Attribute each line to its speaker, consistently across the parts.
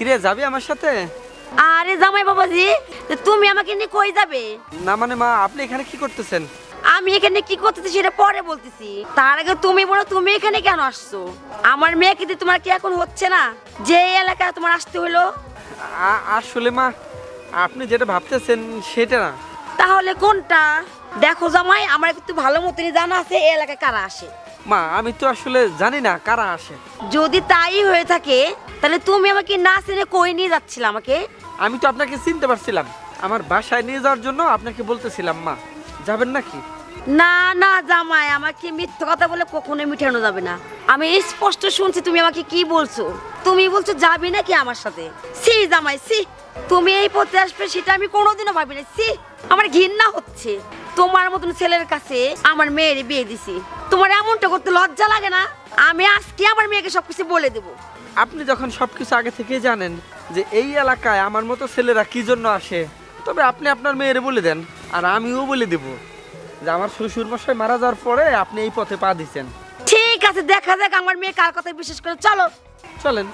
Speaker 1: কিরে যাবি আমার সাথে?
Speaker 2: আরে জামাই বাবাজি, তুমি আমাকে নিয়ে কই যাবে?
Speaker 1: না মানে মা, আপনি এখানে কি করতেছেন?
Speaker 2: আমি এখানে কি করতেছি সেটা পরে বলতেছি। তার আগে তুমি বলো, তুমি এখানে কেন আসছো? আমার মেয়েকে দিয়ে তোমার কি এখন হচ্ছে না যে এই এলাকায় তোমার আসতে হলো?
Speaker 1: আসলে মা, আপনি যেটা ভাবতেছেন সেটা না।
Speaker 2: তাহলে কোনটা? দেখো জামাই, আমার কিন্তু ভালো মতনই জানা আছে এই এলাকায় কারা আসে।
Speaker 1: মা আমি তো আসলে জানি না কারা আসে।
Speaker 2: যদি তাই হয়ে থাকে তাহলে তুমি আমাকে না চিনে কই নিয়ে যাচ্ছিলে আমাকে?
Speaker 1: আমি তো আপনাকে চিনতে পারছিলাম, আমার বাসায় নিয়ে যাওয়ার জন্য আপনাকে বলতেছিলাম। মা যাবেন নাকি?
Speaker 2: না না জামাই, আমাকে মিথ্যা কথা বলে কখনোই মিঠানো যাবে না। আমি স্পষ্ট শুনছি তুমি আমাকে কি বলছো। তুমি বলছো যাবি নাকি আমার সাথে? সি জামাই সি, তুমি এই পথে আসবে সেটা আমি কোনোদিনও ভাবি না। সি, আমার ঘৃণা হচ্ছে। তোমার মতন ছেলের কাছে আমার মেয়ের বিয়ে দিছি, তোমার এমনটা করতে লজ্জা লাগে না? আমি আজকে আমার মেয়েকে সবকিছু বলে দেবো।
Speaker 1: আপনি যখন সবকিছু আগে থেকেই জানেন যে এই এলাকায় আমার মতো ছেলেরা কি জন্য আসে, তবে আপনি আপনার মেয়েরে বলে দেন, আর আমিও বলে দেব যে আমার শ্বশুর মশাই মারা যাওয়ার পরে আপনি এই পথে পা দিচ্ছেন।
Speaker 2: ঠিক আছে, দেখা যাক আমার মেয়ে কার কথা বিশেষ করে। চলো
Speaker 1: চলেন।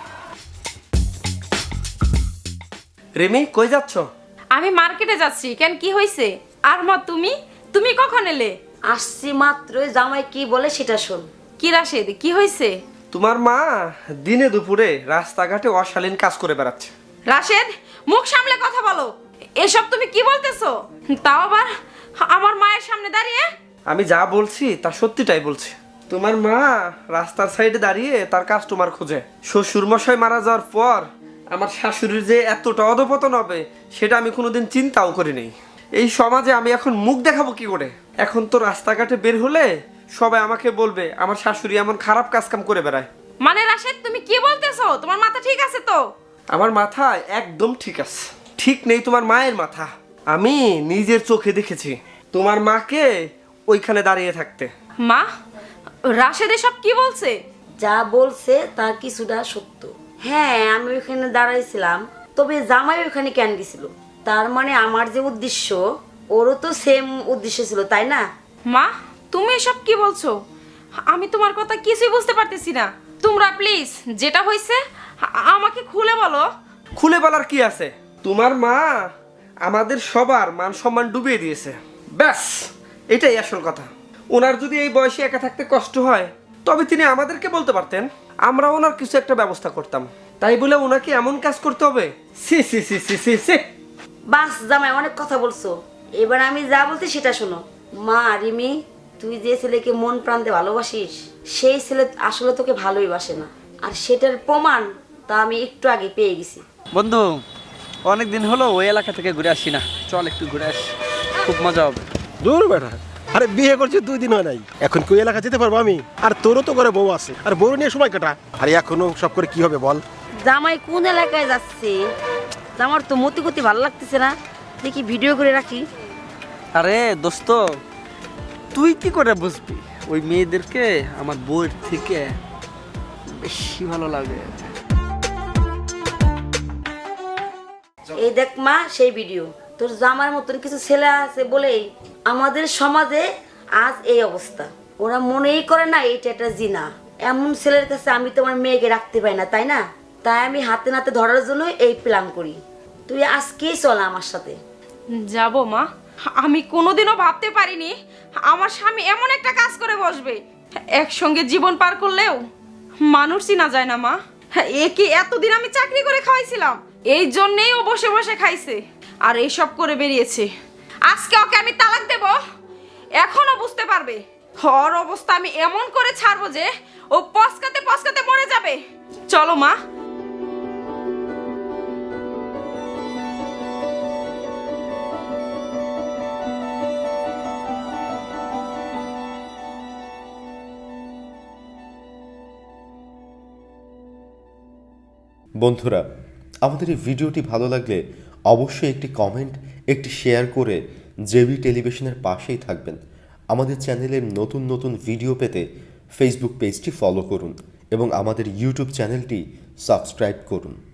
Speaker 1: রেমি কই যাচ্ছ?
Speaker 3: আমি মার্কেটে যাচ্ছি। কেন, কি হয়েছে? আর মা, তুমি কখন এলে?
Speaker 2: আসছি মাত্রই, জামাই কি বলে সেটা শোন।
Speaker 3: কি রাশেদ, কি হয়েছে?
Speaker 1: তোমার মা দিনে দুপুরে রাস্তাঘাটে অশালীন কাজ করে বেড়াচ্ছে।
Speaker 3: রাশেদ, মুখ সামলে কথা বলো। এসব তুমি কি বলতেছো? তাও আবার আমার মায়ের সামনে দাঁড়িয়ে?
Speaker 1: আমি যা বলছি তা সত্যিটাই বলছি। তোমার মা রাস্তার সাইডে দাঁড়িয়ে তার কাস্টমার খোঁজে। শ্বশুর মশাই মারা যাওয়ার পর আমার শাশুড়ির যে এতটা অধপতন হবে সেটা আমি কোনোদিন চিন্তাও করিনি। এই সমাজে আমি এখন মুখ দেখাবো কি করে? এখন তো রাস্তাঘাটে বের হলে সবাই আমাকে বলবে আমার শাশুড়ি এমন খারাপ কাজ কাম করে বেড়ায়।
Speaker 3: মানে রাশেদ, তুমি কি বলতেছো? তোমার মাথা ঠিক আছে তো?
Speaker 1: আমার মাথা একদম ঠিক আছে। ঠিক নেই তোমার মায়ের মাথা। আমি নিজের চোখে দেখেছি তোমার মাকে ওইখানে দাঁড়িয়ে থাকতে।
Speaker 3: মা, রাশেদ এসব কি বলছে?
Speaker 2: যা বলছে তার কিছুটা সত্য। হ্যাঁ, আমি ওখানে দাঁড়াইছিলাম, তবে জামাই ওখানে কেন গেছিল? তার মানে আমার যে উদ্দেশ্য, ওরও তো সেম উদ্দেশ্য ছিল, তাই না?
Speaker 3: মা, তুমি এসব কি বলছো? আমি তোমার কথা কিছুই বুঝতে পারতেছি না। তোমরা প্লিজ যেটা হয়েছে আমাকে খুলে বলো।
Speaker 1: খুলে বলার কি আছে? তোমার মা আমাদের সবার মান সম্মান ডুবিয়ে দিয়েছে, ব্যাস এটাই আসল কথা। ওনার যদি এই বয়সে একা থাকতে কষ্ট হয় তবে তিনি আমাদেরকে বলতে পারতেন, আমরা ওনার কিছু একটা ব্যবস্থা করতাম। তাই বলে ওনাকে এমন কাজ করতে হবে? Hello C C C C you.
Speaker 2: বাস জামাই, অনেক কথা বলছো, এবার আমি যা বলছি সেটা শোনো। মা রিমি, তুই যে ছেলেকে মন প্রান্তে ভালোবাসিস সেই ছেলে আসলে তোকে ভালোই বাসে না, আর সেটার প্রমাণ তা আমি একটু আগে পেয়ে গেছি।
Speaker 1: বন্ধু, অনেক দিন হলো ওই এলাকা থেকে ঘুরে আসি না, চল একটু ঘুরে আসি, খুব মজা হবে।
Speaker 4: দূর বেটা, আরে বিয়ে করছি 2 দিন হয় নাই, এখন কি ওই এলাকা যেতে পারবো আমি? আর তোরও তো করে বউ আছে, আর বউ নিয়ে সময় কাটা। আরে এখনো সব করে কি হবে বল?
Speaker 2: জামাই কোন এলাকায় যাচ্ছে? আমার তো মতি গতি ভালো লাগতেছে না, দেখি ভিডিও করে রাখি।
Speaker 1: আরে দোস্ত, তুই কি করে বুঝবি ওই মেয়েদেরকে আমার বউয়ের থেকে বেশি ভালো লাগে?
Speaker 2: এই দেখ মা, সেই ভিডিও। তোর জামার মতন কিছু ছেলে আছে বলেই আমাদের সমাজে আজ এই অবস্থা। ওরা মনেই করে না এইটা একটা জিনা। এমন ছেলের কাছে আমি তোমার মেয়েকে রাখতে পারি না, তাই না? তাই আমি হাতে নাতে ধরার জন্য এই প্ল্যান করি। তুই আজকেই চল আমার সাথে।
Speaker 3: যাব মা, আমি কোনোদিনও ভাবতে পারিনি আমার স্বামী এমন একটা কাজ করে বসবে। একসঙ্গে জীবন পার করলেও মানুষ চিনা যায় না মা। একে এতদিন আমি চাকরি করে খাওয়াইছিলাম, এই জন্যেই ও বসে বসে খাইছে আর এইসব করে বেরিয়েছে। আজকে ওকে আমি তালাক দেব, এখনো বুঝতে পারবে। ওর অবস্থা আমি এমন করে ছাড়বো যে ও পস্কাতে পস্কাতে মরে যাবে। চলো মা।
Speaker 5: বন্ধুরা, আমাদের এই ভিডিওটি ভালো লাগলে অবশ্যই একটি কমেন্ট, একটি শেয়ার করে জেবি টেলিভিশনের পাশেই থাকবেন। আমাদের চ্যানেলের নতুন নতুন ভিডিও পেতে ফেসবুক পেজটি ফলো করুন এবং আমাদের ইউটিউব চ্যানেলটি সাবস্ক্রাইব করুন।